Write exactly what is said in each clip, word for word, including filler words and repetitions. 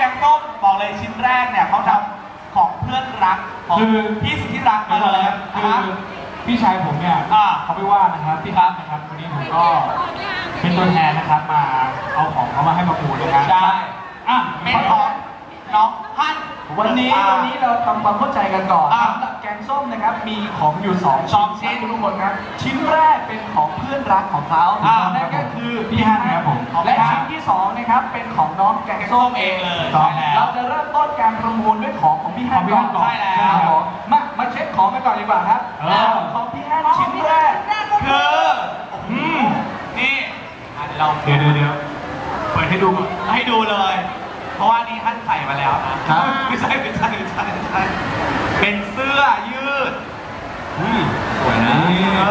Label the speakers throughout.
Speaker 1: งส้มบอกเลยชิ้นแรกเนี่ยเขาทำของเพื่อนรักของพี่สุดที่รักมาเลย
Speaker 2: คือพี่ชายผมเนี่ยเขาไม่ว่านะครับพี่ครับนะครับวันนี้ผมก็เป็นตัวแทนนะครับมาเอาของเขามาให้ประมูลนะครับ
Speaker 1: ใช่
Speaker 2: อ่ะ
Speaker 1: เป็นของน้องฮั่น
Speaker 3: วันนี้วันนี้เราทำความเข้าใจกันก่อนสำหรับแกงส้มนะครับมีของอยู่สองชิ้นทุกคนครับชิ้นแรกเป็นของเพื่อนรักของเขานั่นก็คือ
Speaker 2: พี่ฮั่นครับผม
Speaker 3: และชิ้นที่สองนะครับเป็นของน้องแกงส้มเองเลยเราจะเริ่มต้นการประมูลด้วยของของพี่ฮั่นก่อน
Speaker 1: ใช่แล้ว
Speaker 3: มามาเช็คของกันก่อนดีกว่าครับของพี่ฮั่นชิ้นแรก
Speaker 1: คือนี่เรา
Speaker 2: เดี๋ยวเดี๋ยวเปิดให้ดูก่อน
Speaker 1: ให้ดูเลยเพราะว่านี่ท่านใส่มาแล้วนะไม่ใช่ไม่ใช่ไม่ใช่ไม่ใช่เป็นเสื้อยืด
Speaker 2: สวยนะ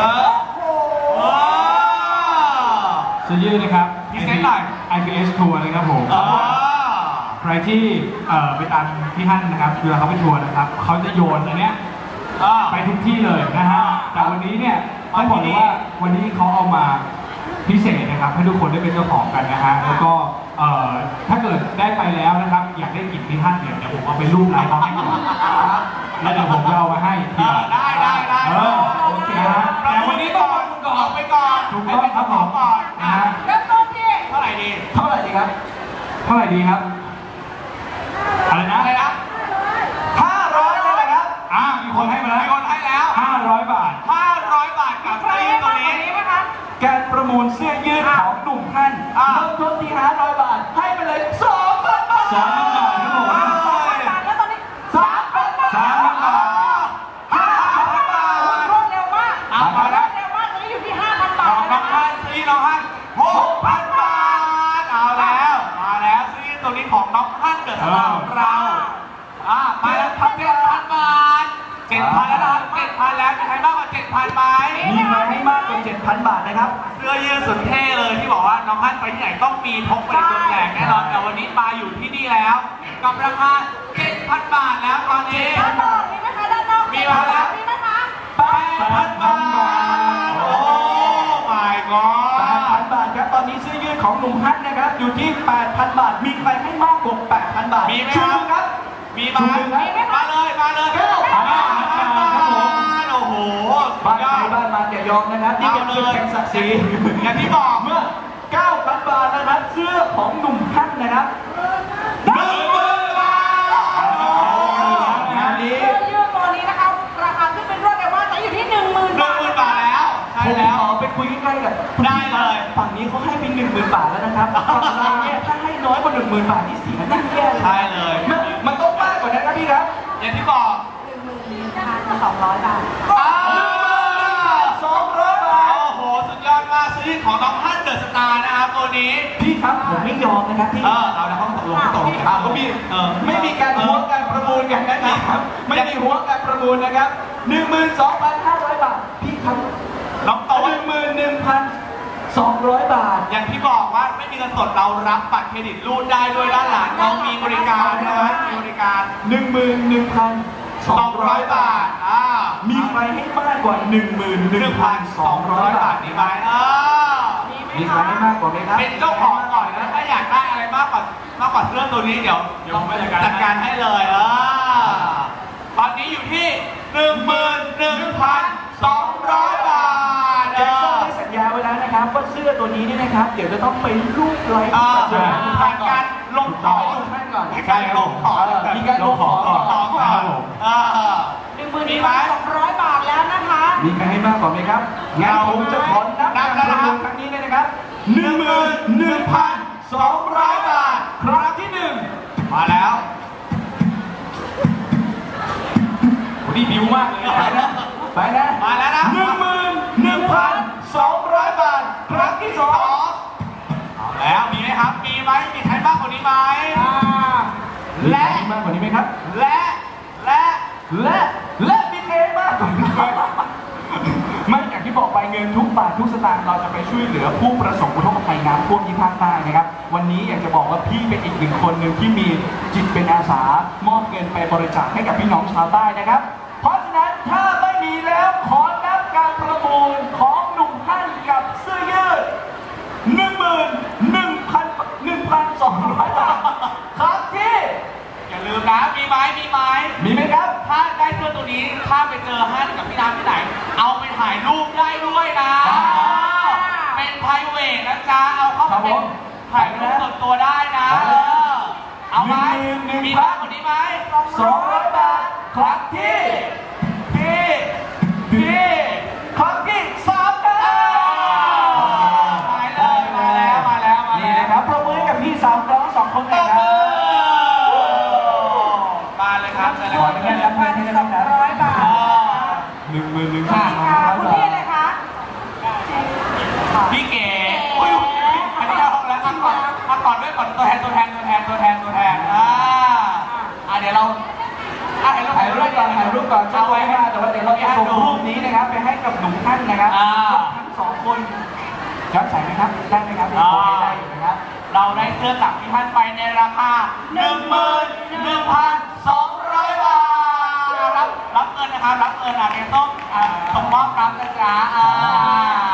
Speaker 2: เสื้อยืดนะครับ
Speaker 1: พิเศษหน่อย
Speaker 2: ไอ พี เอส ทัวร์นะครับผมใครที่ไปตามพี่ฮั่นนะครับเวลาเขาไปทัวร์นะครับเขาจะโยนอันเนี้ยไปทุกที่เลยนะฮะแต่วันนี้เนี่ยต้องบอกเลยว่าวันนี้เขาเอามาพิเศษนะครับให้ทุกคนได้เป็นเจ้าของกันนะฮะแล้วก็ถ้าเกิดได้ไปแล้วนะครับอยากได้กลิ่นพี่ฮั่นเนี่ยเดี๋ยวผมเอาไปรูปไลน์เขาให้ก่อนแล้วเดี๋ยวผมจะเอามาให้ทีหลัง
Speaker 1: ได้ได้ได้
Speaker 2: โอเคนะแต่วันนี้ต้องมา
Speaker 1: ก่อนไปก่อน
Speaker 2: ถูกต้องครับผม
Speaker 1: ก่อน
Speaker 2: นะฮะ
Speaker 1: เริ่มต้นที่เท่าไหร่ดี
Speaker 3: เท่าไหร่ดีครับ
Speaker 2: เท่าไหร่ดีครับอะไรนะ
Speaker 1: อะไรนะ
Speaker 3: ห้าร้อยเลยนะครับ
Speaker 2: อ่ามีคนให้มาแล้ว
Speaker 1: มีคนให้แล้ว
Speaker 2: ห้าร้อยบาท
Speaker 1: ห้าร้อยบาทกับเสื้อยืดตัวนี้
Speaker 3: นะครับการประมูลเสื้อยืดของหนุ่มฮั่นเริ่มต้นที่ห้าร้อยบาทให้ไปเลยสองพันบาท
Speaker 2: สองพันบาทครับผม
Speaker 3: แล้วตอนนี้สามพันบาท
Speaker 2: สามพันบาท
Speaker 3: ห้าพันบาทรวดเร็วมาก
Speaker 1: เอาไปแล้ว
Speaker 3: เร็วมากตอนนี้อยู่ที่ห้าพันบาท
Speaker 1: น้องฮั่นซื้อน้องฮั่นหกพันบาทเอาแล้วมาแล้วซื้อตัวนี้ของน้องฮั่นเกิดสำหรับเราอ่ามาแล้วพันเจ็ดพันบาทเจ็ดพันแล้วนะครับเจ็ดพันแล้วมีใครมากกว่าเจ็ดพันไหม
Speaker 3: มีใครให้มากกว่าเจ็ดพันบาทนะครับ
Speaker 1: เสื้อยืดสุดเท่เลยที่บอกว่าน้องฮั่นไปที่ไหนต้องมีพกไปในตัวแจกแน่นอนแต่วันนี้มาอยู่ที่นี่แล้วกับราคาเจ็ดพันบาทแล้วตอนนี้
Speaker 3: ด้านนอกมีไหมคะด้านนอก
Speaker 1: มีมาแล้ว
Speaker 3: มีไหมคะ
Speaker 1: แปดพันบาทโอ้ my god
Speaker 3: แปดพันบาทครับตอนนี้เสื้อยืดของหนุ่มฮั่นนะครับอยู่ที่แปดพันบาทมีใครให้มากกว่าแปดพันบาท
Speaker 1: มีไหม
Speaker 3: ครับ
Speaker 1: มีมามาเลยมาเลยเก้าพันบาทโอ้โห
Speaker 3: บ้านใครบ้านมันอย่ายอมนะครับนี่เป็นศึกแห่งศักดิ์ศรี
Speaker 1: อย่างที่บอก
Speaker 3: เมื่อเก้าพันบาทนะครับเสื้อของหนุ่มฮั่นนะครับ
Speaker 1: หนึ่งหมื่นบาท
Speaker 3: งานนี้เสื้อยืดตัวนี้นะครับราคาขึ้นเป็นรวดเร็วมากแต่อยู่ที่หนึ่งหมื่น
Speaker 1: บาทหนึ่งหมื่นบาทแล้วใช่แล้ว
Speaker 3: ขอไปคุยใกล้ๆกับ
Speaker 1: ได้เลย
Speaker 3: ฝั่งนี้เขาให้เป็นหนึ่งหมื่นบาทแล้วนะครับฝั่งเราเนี่ยถ้าให้น้อยกว่าหนึ่งหมื่นบาทนี่เสียหน้าแย่เลย
Speaker 1: ใช่เลย
Speaker 3: มันต้องมากกว่านั้นครับพี่ครับ
Speaker 1: อย่างที่บอก
Speaker 3: หนึ่งหมื่นหนึ่งพันสองร้อยบาท
Speaker 1: สองร้อยบาทโอ้โหสุดยอดมากซื้อของน้องฮั่นเดอะสตาร์นะครับตัวนี้
Speaker 3: พี่ครับผมไม่ยอมนะครับพี่
Speaker 1: เออเอาละเขาตกลงเขาตกลงกัน
Speaker 3: เขามีไม่มีการหัวการประมูลกันนะครับไม่มีหัวการประมูลนะครับหนึ่งหมื่นสองพันห้าร้อยบาทพี่ครับ
Speaker 1: น้องโต
Speaker 3: หนึ่งหมื่นหนึ่งพันสองร้อยบาท
Speaker 1: อย่างที่บอกว่าไม่มีเงินสดเรารับบัตรเครดิตรูดได้ด้วยด้านหลังเรามีบริการนะครับมีบริการ
Speaker 3: หนึ่งหมื่นหนึ่งพัน
Speaker 1: สองร้อยบาทอ่า
Speaker 3: มีใครให้มากกว่าหนึ่งหมื่นหนึ่งพันสองร้อยบาท
Speaker 1: นี่ไหมเออ
Speaker 3: มีใครให้มากกว่าไหมครับ
Speaker 1: เป็นเจ้าของก่อนนะถ้าอยากได้อะไรมากกว่ามากกว่าเสื้อตัวนี้เดี๋ยวต้องจัดการให้เลยเออตอนนี้อยู่ที่หนึ่งหมื่นหนึ่งพันสองร้อยบาท
Speaker 3: แจ็คสันได้สัญญาไว้แล้วนะครับว่าเสื้อตัวนี้นี่นะครับเดี๋ยวจะต้องไปรูปไลฟ์
Speaker 1: ผ่านการลงของ
Speaker 3: ก่อน
Speaker 1: ใช่ลงของ
Speaker 3: มีการลงของก่อน
Speaker 1: หนึ่งหมื่นหนึ่งพันสองร้อยบาทแล้วนะคะ
Speaker 3: มีใครให้มากกว่าไหมครับงั้นผมจะขอนับการประมูลครั้งนี้เลยนะครับหนึ่งหมื่นหนึ่งพันสองร้อยบาทครั้งที่หนึ่ง
Speaker 1: มาแล้ว
Speaker 3: วันนี้บิวมากเลยไปนะไปนะ
Speaker 1: มาแล้วนะ
Speaker 3: หนึ่งหมื่นหนึ่งพันสองร้อยบาทครั้งที่สอง
Speaker 1: เอาแล้วมีไหมครับมีไหมมีใครมากกว่านี้ไหม
Speaker 3: และมากกว่านี้ไหมครับ
Speaker 1: และและ
Speaker 3: และและมีใครมากกว่านี้ไหมไม่อย่างที่บอกไปเงินทุกบาททุกสตางค์เราจะไปช่วยเหลือผู้ประสบอุทกภัยน้ำท่วมที่ภาคใต้นะครับวันนี้อยากจะบอกว่าพี่เป็นอีกหนึ่งคนหนึ่งที่มีจิตเป็นอาสามอบเงินไปบริจาคให้กับพี่น้องชาวใต้นะครับเพราะฉะนั้นถ้าไม่มีแล้วขอนับการประมูลของหนุ่มฮั่นกับเสื้อยืดหนึ่งหมื่นหนึ่งพันหนึ่งพันสองร้อยบาทครับที่
Speaker 1: ไหมมีไหม
Speaker 3: มีไหมครับ
Speaker 1: ถ้าได้เสื้อตัวนี้ถ้าไปเจอฮั่นกับพี่น้ำที่ไหน เอาไปถ่ายรูปได้ด้วยนะ
Speaker 3: อ่า
Speaker 1: เป็นไพรเวทนะจ๊ะเอาเข้า
Speaker 3: ครั
Speaker 1: มา
Speaker 3: บ
Speaker 1: เป็น
Speaker 3: ผม
Speaker 1: ถ่ายรูปส่วนตัวได้นะ
Speaker 3: ครับ
Speaker 1: เออเอาไหม
Speaker 3: หนึ่งหนึ่ง
Speaker 1: มีมากกว่านี้ไหม
Speaker 3: สองร้อยบาทครั้งที่
Speaker 1: พี่
Speaker 3: พี่ครั้งที่สามครับ
Speaker 1: มาเลยมาแล้วมาแล้วมา
Speaker 3: นี่
Speaker 1: แล้ว
Speaker 3: นะครับปรบมือให้กับพี่สาวน้องสองคน
Speaker 1: ต
Speaker 3: นะ
Speaker 1: บ
Speaker 3: ครั
Speaker 1: มื
Speaker 3: บ
Speaker 1: อมาเลยครับเชิญเลย
Speaker 3: ข
Speaker 1: ค
Speaker 3: อ
Speaker 1: รับ
Speaker 3: อนุญาตรับเงินให้นะครับ
Speaker 4: ร้อยบาท
Speaker 1: อ๋อ
Speaker 3: หนึ่งหมื่นหนึ่ง
Speaker 4: ค่ะ
Speaker 3: พัน
Speaker 4: คุณพี่อะไรคะ
Speaker 1: พี่เก๋อุ้ยอันนี้เอาแล้วมาก่อนมาก่อนด้วยก่อนตัวแทนตัวแทนตัวแทนตัวแทนตัวแทนอ่าอ่าเดี๋ยวเราอ่ะเห็นเรา
Speaker 3: ถ่ายรูปก่อนถ่ายรูปก่อนเจ้า
Speaker 1: เอา
Speaker 3: ไว้
Speaker 1: ไว้
Speaker 3: ค่ะแต่ว่าเดี๋ยวเราจะส่งรูปนี้นะครับไปให้กับหนุ่มท่านนะครับ
Speaker 1: อ่า
Speaker 3: ทั้งสองคนย้อนแสงไหมครับได้ไหมครับโอเคได้อยู่นะครับ
Speaker 1: เราได้เสื้อจากพี่ท่านไปในราคา หนึ่งหมื่นหนึ่งพันสองร้อยบาทรับรับเงินนะครับรับเงินอ่ะเดี๋ยวต้องอ่าส่งมอบรับนะจ๊ะอ่า